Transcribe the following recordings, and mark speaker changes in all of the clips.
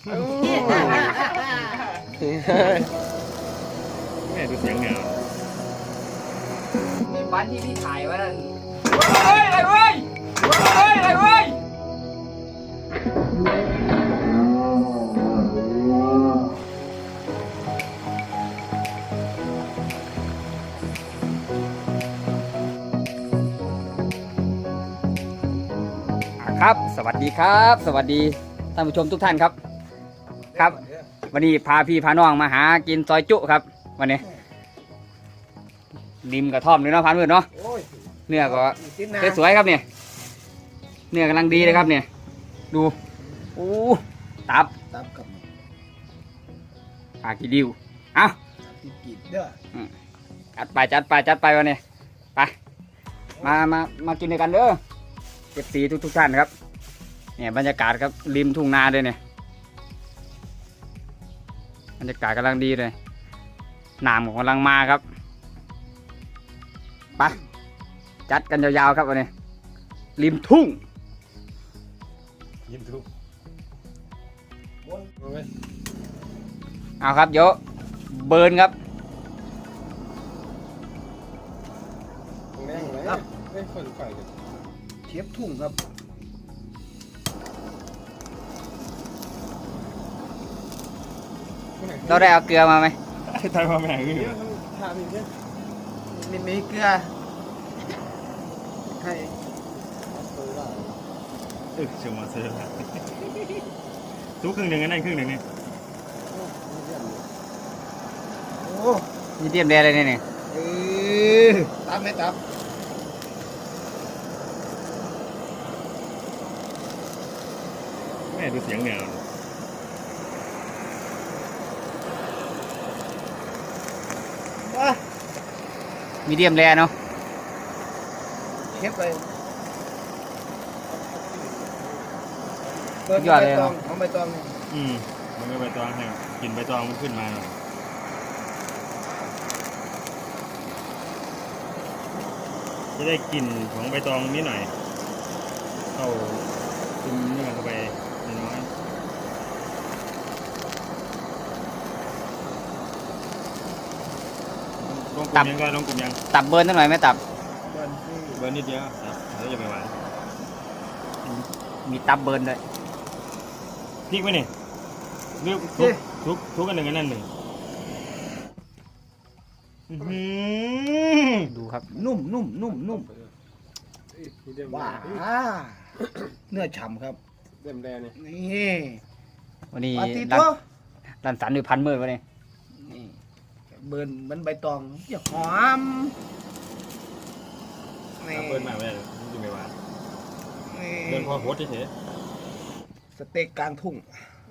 Speaker 1: แม่ดูเสียงเงา
Speaker 2: มีบ้านที่พี่ถ่ายไว้นั่น
Speaker 1: เฮ้ยอะไรเว้ยเฮ้ยอะไรเว้ย
Speaker 2: ครับสวัสดีครับสวัสดีท่านผู้ชมทุกท่านครับครับวันนี้พาพี่พาน้องมาหากินซอยจุครับวันนี้ริมกระท่อมเลยเนาะพันมืดเนาะเนื้อก็สวยๆครับเนี่ยเนื้อกำลังดีเลยครับเนี่ยดูอู้ตับกับปลากีดิวเอาจัดไปวันนี้ไปมากินด้วยกันเด้อเก็บสีทุกท่านครับเนี่ยบรรยากาศครับริมทุ่งนาเลยเนี่ยบรรยากาศกำลังดีเลยน้ำกำลังมาครับไปจัดกันยาวๆครับวันนี้ริมทุ่งเอาครับเดี๋ยวเบิร์นครับเชฟทุ่งครับเราได้เอาเกลือมาไหม
Speaker 1: ไทยมาแม่งนี่
Speaker 3: มีเกลือให้
Speaker 1: เชื่อมาเชื่อทุกครึ่งหนึ่งนั่นครึ่งหนึ่งนี่
Speaker 3: โอ้
Speaker 2: มีเตรียมแดงเลยเนี่ย
Speaker 3: ตับไม่ตับ
Speaker 1: แม่ดูเสียงเงา
Speaker 2: มีเดียมแรเนาะ
Speaker 3: เชฟไปเอาใบตอง
Speaker 1: มันก็ใบตองให้กินใบตองมันขึ้นมาหน่อยจะได้กลิ่นของใบตองนิดหน่อยเข้าซึมเนื้อเข้าไปน้อยลงกลุ่มยังก็ลงกลุ่มยัง
Speaker 2: ตับเบิร์นนิดหน่อยไหมตับ
Speaker 1: เบอร์นิดเดียวครับแล้วจะไปหวาน
Speaker 2: มีตับเบิร์นด้วย
Speaker 1: พริกไหมนี่เลือกทุกกันหนึ่งกันนั่นหนึ่ง
Speaker 2: ดูครับ
Speaker 3: นุ่มว้าเนื้อฉ่ำครับ
Speaker 1: เต็มแดงนี่
Speaker 3: นี่
Speaker 2: วันนี้
Speaker 3: ปาติโต้
Speaker 2: รันสันด้วยพันมืดวันนี้
Speaker 3: นี่เบิร์นมันใบตองอย่าหอมนี่
Speaker 1: เบิร์นมาไม่ได้จะไปหวาน
Speaker 3: นี่
Speaker 1: เดินพอโพสเฉย
Speaker 3: สเต็กกลางทุ่ง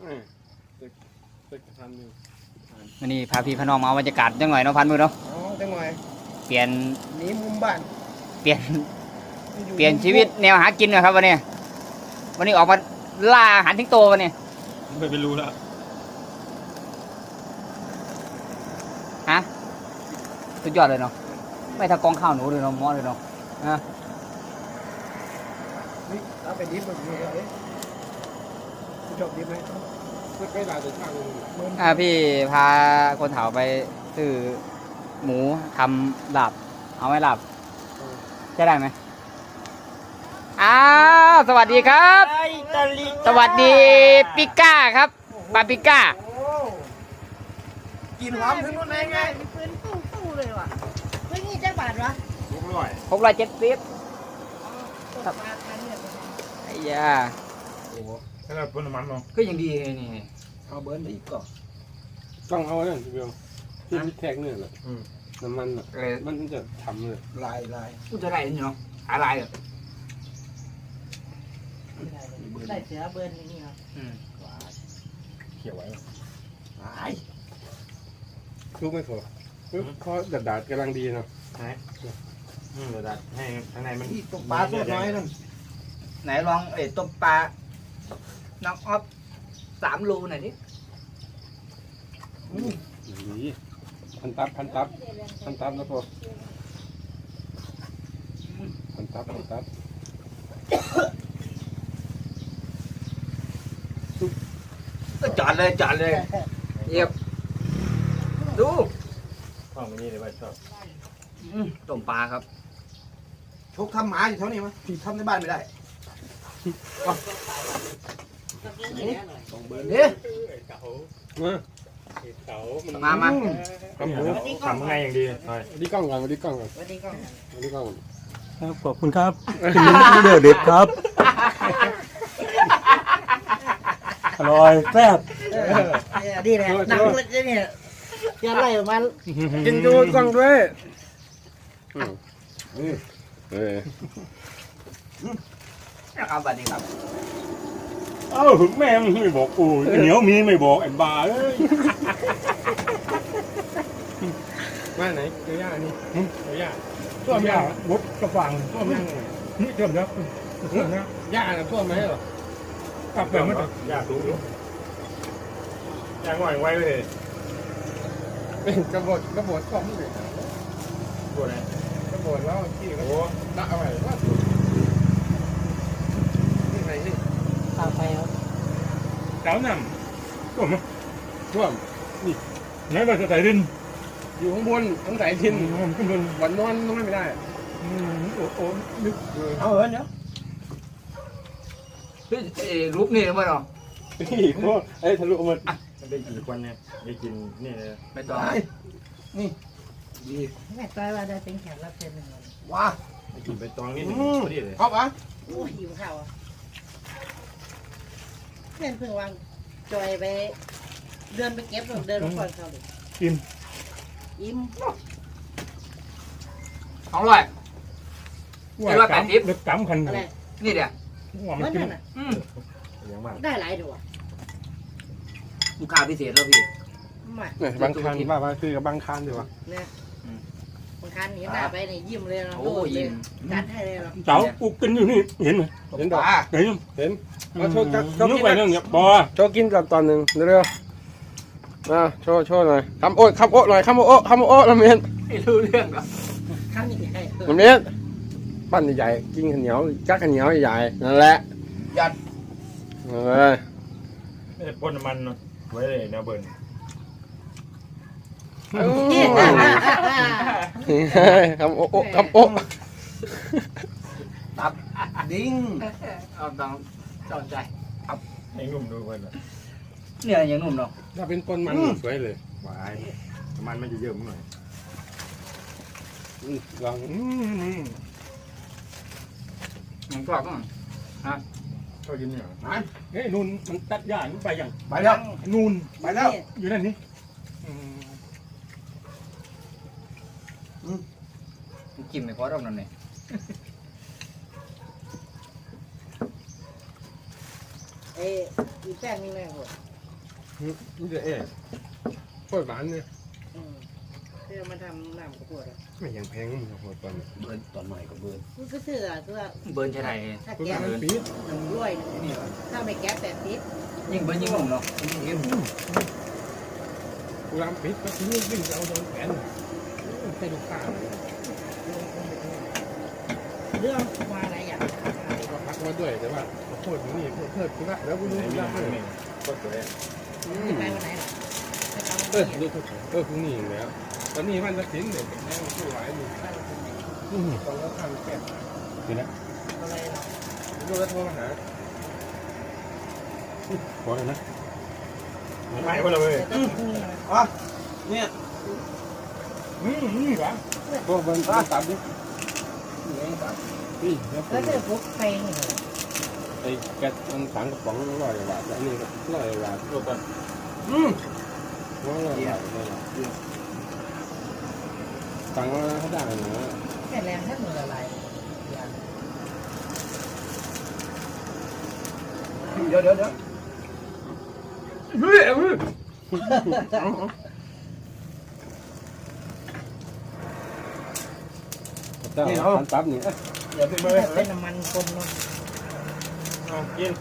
Speaker 2: วันนี้พาพี่พาน้องมาเอาบรรยากาศจังหน่อยเนาะพันมืดเนาะ
Speaker 3: อ๋อจังหน่อย
Speaker 2: เปลี่ยน
Speaker 3: หนีมุมบ้าน
Speaker 2: เปลี่ยนชีวิตแนวหากินหนะครับวันนี้ออกมาล่าอาหารทิ้งโตวันนี้
Speaker 1: ไม่ไปรู้แล้ว
Speaker 2: ฮะสุดยอดเลยเนาะไม่ทากองข้าวหนูเลยเนาะมอเลยเนาะฮะ
Speaker 3: นี่เอาไปดิบแบบนี้เลยชอบดิบไหมไม่ได้แต่ช่างเลย
Speaker 2: พี่พาคนเฒ่าไปซื้อหมูทำลาบเอาไหมลาบจะได้ไหมอ้าวสวัสดีครับ สวัสดีปิก้าครับปาปิก้า
Speaker 3: กินหอมถึงนู่นไง
Speaker 4: มีปืนตู้เลยว่ะเฮ้ยนี่จักบาทวะ
Speaker 2: 670
Speaker 4: ตกมาทันเนี่ย
Speaker 2: ไอ้ยา
Speaker 1: ถ้าเราพ่นน้ำมันเนาะ
Speaker 2: ก็ยังดีนี่
Speaker 3: เอาเบิร์นไปอีกก่อน
Speaker 5: ต้องเอาเนี่ยพี่เบลที่แทกเนี่ยแหละน้ำมันอ่ะ
Speaker 2: เลย
Speaker 5: มันจะทำเลย
Speaker 3: ลาย
Speaker 2: กูจะได้เนาะอะไรอ่ะ
Speaker 4: ได้เสือเบิร์นอย่างนี้ครับ
Speaker 1: เขียวไว้
Speaker 3: ลาย
Speaker 5: ลูกไม่พอเขาดัดกำลังดีเนาะ
Speaker 1: เดี๋ยวดัดให้ข้างในมัน
Speaker 3: นี่ตกปลาตัวน้อยนั่น
Speaker 2: ไหนลองต้มปลาน้องออฟ3 รูหน่อยดิ
Speaker 5: ดีพันตับแล้วพอพันตับ
Speaker 2: ก็จอดเลยเยียบดู
Speaker 1: ห้องนี้เลยว่าชอบ
Speaker 2: ต้มปลาครับ
Speaker 3: ทุกทำหมาอยู่เท่านี้มั้ยที่ทำในบ้านไม่ได้เฮ้ย
Speaker 2: มา
Speaker 1: ทำไงอย่างดีหน่อย
Speaker 5: ดีกล้องก่อนดีกล้องก่อน
Speaker 4: วันนี้ก็
Speaker 5: ดีกล้องก่อน
Speaker 1: ครับขอบคุณครับเดือดเด็ดครับอร่อยแซ่บ
Speaker 4: ดีแหละหนังเลยเนี่ยยันไล่ออกมา
Speaker 5: กินดูกล้องด้วยเออ
Speaker 2: เอาบัดนี้ครับ
Speaker 1: เอ้าแม่มึงไม่บอกกูเหนียวมีไม่บอกไอ้บ้าเอ้ย
Speaker 5: มาไหนเจ้าย่านี่เจ้าย่า
Speaker 1: ต้มยาบดกระฟัง
Speaker 5: ท่วมยัง
Speaker 1: นี่เติมแล้วเติมแล้ว
Speaker 5: ย่าน่ะท่วมไหมเหรอก
Speaker 1: ลับไปมั้ยยาสูงยาง่อยไว้เลย
Speaker 5: เป็นกระโดดท่วมเลย
Speaker 1: ตัวไหน
Speaker 5: กระโดดแล้วที่
Speaker 1: โอ้
Speaker 5: ละเอาไว้ว่าที่ไหนนี่
Speaker 4: ตามไปครับ
Speaker 1: เจ้าน้ำตัวมั้ย
Speaker 5: ท่วม
Speaker 1: ไหนเราจะใส่ดิน
Speaker 5: อยู่ข้างบนทั้งสายทิน
Speaker 1: ขึ้นบน
Speaker 5: วันนอนไม่ได้
Speaker 1: โอ้นึก
Speaker 3: เอาเดี๋ยว
Speaker 2: รูปนี่มั้ยเนาะ
Speaker 5: นี่ก็ไอ้ทะลุมัน
Speaker 1: มันได้กี่คนเนี่ยได้กินนี่เลย
Speaker 2: ไม่ต้อง
Speaker 4: แม่ต้อยว่าได้เป็นแขกรับเชิญหนึ่งวัน
Speaker 3: ว้า
Speaker 1: ได้กินใบตองนี่พอดีเลย
Speaker 3: ครบอ่ะ
Speaker 4: โอ้ยหิวข้าวอ่ะเพื่อนเพิ่งวางจอยไปเดินไปเก็บเดินมาก่อนเขาเลยอิ่ม
Speaker 2: 200
Speaker 1: ลึกกำคัน
Speaker 4: อะไร
Speaker 2: นี่เดี๋ยว
Speaker 1: ว่ามั
Speaker 4: มัน น
Speaker 1: กิน
Speaker 4: นั่นน่ะ
Speaker 1: อย่างมาก
Speaker 4: ได้หลายตัว
Speaker 2: ลูกค้าพิเศษแล้วพี่
Speaker 4: มา
Speaker 5: เนี่ยบางคันว่าคือกับบางคันดีกว่า
Speaker 4: เนี่ยบางครั้งเห็นหน้าไปเนี่ยยิ้มเลยนะ
Speaker 2: โอ้ยิ้ม
Speaker 4: จัดให้เลยเนาะ
Speaker 1: เจ้ากูกินอยู่นี่เห็นไหม
Speaker 5: เห็นดอก
Speaker 1: เห็น
Speaker 5: เห็นมาโชว์
Speaker 1: นึกไปเรื่องเนี้ยบอ
Speaker 5: โชว์กินตอนหนึ่งเร็วๆมาโชว์หน่อยคำโอ๊ตหน่อยคำโอ๊ตลำเมียน
Speaker 2: ไม่รู้เรื่องก็
Speaker 4: ครั้งนี้ให้
Speaker 5: ลำเมียนปั้นใหญ่ๆกินข้าวเหนียวจักข้าวเหนียวใหญ่นั่นแหละยัดเลย
Speaker 1: ไม่ได้พ่นน้ำมันไว้เลยแนวเบิร์น
Speaker 5: คำโอ๊ต
Speaker 3: ดิ้ง
Speaker 2: เอาต้องสนใจ
Speaker 1: ให้นุ่มดูเบิร์น
Speaker 2: เนี่ยยังหนุ่มเนาะ
Speaker 5: ถ้าเป็นต้นมันสวยเลย
Speaker 1: หวานน้ำมันมันจะเยอะหน่อย
Speaker 5: ลอง
Speaker 2: ยังกรอบมั้ง
Speaker 1: เขากินเนี่ยเฮ้ยนูนมันตัดหญ้าไปยัง
Speaker 3: ไปแล้ว
Speaker 1: นูน
Speaker 3: ไปแล้ว
Speaker 1: อยู่นั่นนี่
Speaker 2: จิ้มไม่พอรอบนั้นเลย
Speaker 4: เอ้ยแป้งนี่แม่หัว
Speaker 5: นี่จะโคตรหวานเนี่ย
Speaker 4: เพื่อมาทำน้ำข้าวโพดอ่ะ
Speaker 5: ไม่ยังแพงมึงโคตรตอน
Speaker 3: เบิร์นตอนใหม่ก็เบิร์น
Speaker 4: มันก็คืออ่ะคือ
Speaker 2: เบิร์นใช่ไหม
Speaker 4: ถ้า
Speaker 5: คุณ
Speaker 4: แก๊ส
Speaker 5: ปี๊ด
Speaker 4: รวยถ้าไม่แก๊ส80
Speaker 2: ยิ่งเบิร์นยิ่งหนุ่มเนาะ
Speaker 5: กูรำปี๊ดก็ทิ้งวิ่งเอาโดนแขนใส่ลูกค้า
Speaker 4: เรื่องมาอะไรอย่าง
Speaker 5: ก็พักมาด้วยแต่ว่าโคตรนี่เพิ่มกูละแล้วกูรู้
Speaker 1: ไหน
Speaker 5: กู
Speaker 1: มี
Speaker 5: ละ
Speaker 1: น้ำมันก็สวย
Speaker 4: จะไปวันไหนล่ะไปทำ
Speaker 5: เอ
Speaker 4: วัน
Speaker 5: อ
Speaker 4: นี้
Speaker 5: รู้พรุ่งนี้แล้ว ตอนนี้มันจะทิ้งเด็กแม่งสู้ไหวอยู่ตอนแล้วทำแก่
Speaker 1: นี่นะ
Speaker 4: อะไรล่ะ
Speaker 5: ดูแล้วโทรมาหา
Speaker 1: ขอเลยนะไม่ก็เลย
Speaker 3: อ๋อเนี่ย
Speaker 1: นี่หวาน
Speaker 5: พวกมันตับดิพี่
Speaker 4: แล้วเธอพกไปนี่เหรอ
Speaker 5: ไอ้แกมันสั่งกระป๋อง100 บาทอันนี้ก็100 บาท
Speaker 1: ตัวก่อน
Speaker 5: 100 บาทสั่งมาเขาได้เหรอ
Speaker 4: แค่แรงแค่มือละลาย
Speaker 3: เดี๋ยว
Speaker 5: เจ้าตับนี่
Speaker 3: เดี๋ยวพี่เบิร์น
Speaker 4: เป็นน้ำมันคนเนาะ
Speaker 1: กิน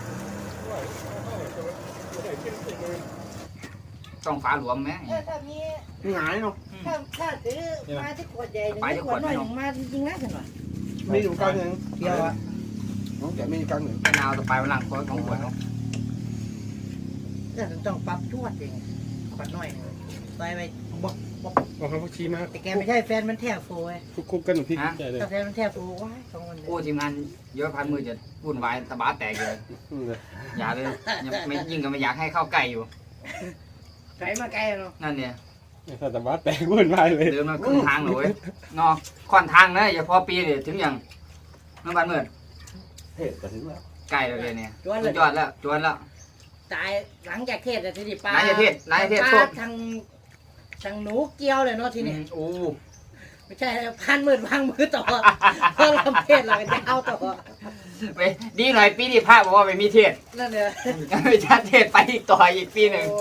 Speaker 2: ต้องฝาหลวมไหม
Speaker 4: ถ้ามี
Speaker 3: หงายเนาะ
Speaker 4: ถ้าซื้อมาที่ขวดใหญ่หนึ่งขวดน้อยหนึ่งมาจริงๆนะฉันว่า
Speaker 3: มีอยู่กันหนึ่ง
Speaker 4: เดียวอ่ะ
Speaker 3: น้องแกมีอยู่กันหนึ่ง
Speaker 2: มะนาวต่อไปมันหลังคอยของขวดเนาะ
Speaker 4: เนี่ยต้องปรับชวดเองปรับน้อยไปไปบอก
Speaker 3: เอาเขาชี้มา
Speaker 4: แต่แกไม่ใช่แฟนมันแทบโฟย
Speaker 3: คุกกันพี่ใจเลย
Speaker 4: แต่แฟนมันแทบโฟว้าย2 วันเลย
Speaker 2: โอ้ทีมงานเยอะพันมือจะวุ่นวายตะบะแตกเลยอย่าเลยยังไม่ยิ่งก็ไม่อยากให้เข้าใกล้อยู่
Speaker 4: ไกลมาไกลเนาะ
Speaker 2: นั่นเนี่ย
Speaker 3: ถ้าแต่ว่าแตกวุ่นวายเลย
Speaker 2: เดินมาครึ่งทางเลยเนาะค่อนทางนะอย่าพอปีเลยถึงอย่างน้ำบันมืด
Speaker 3: เฮ้ยแต่ถึงแล้ว
Speaker 2: ใกล้เลยเนี่ย
Speaker 4: จวน
Speaker 2: สุ
Speaker 4: เล
Speaker 2: ด
Speaker 4: ย
Speaker 2: ยอดแล้วจวนแล้ว
Speaker 4: ตายหลังจากเทศแต่ทีนี้ปลา
Speaker 2: ไหนจะเทศไหนจะเทศ
Speaker 4: ป
Speaker 2: โท
Speaker 4: ลา
Speaker 2: ษ
Speaker 4: ทางหนูเกี้ยวเลยเนาะทีนี้
Speaker 2: โอ้
Speaker 4: ไม่ใช่พันมือวางมือต่อเพราะลำเทศเราจะเอาต่อ
Speaker 2: ไปดีหน่อยปีนี้พระบอกว่าไม่มีเทศ
Speaker 4: นั่นเลย
Speaker 2: ไม่ชัดเทศไปอีกต่ออีกปีหนึ่ง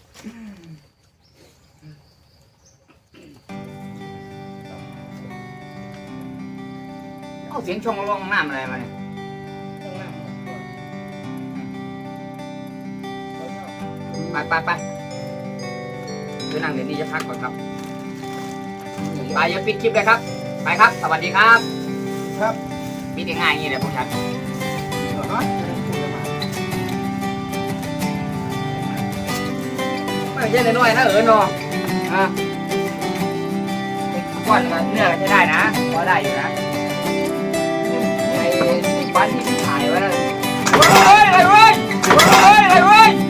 Speaker 2: เอาเสียงช่องร้องน้ำอะไรมาเนี่ยไปเดี๋ยวนั่งเดี๋ยวนี้จะพักก่อนครับไปอย่าปิดคลิปเลยครับไปครับสวัสดีครับ
Speaker 3: ครับ
Speaker 2: ปิดง่ายๆอย่างนี้เลยพวกฉันไม่ใช่น้อยๆนะเนาะก้อนเนื้อใช้ได้นะพอได้อยู่นะไอ้บ้านที่ถ่ายไว้นั่นเฮ้ยอะไรเว้ย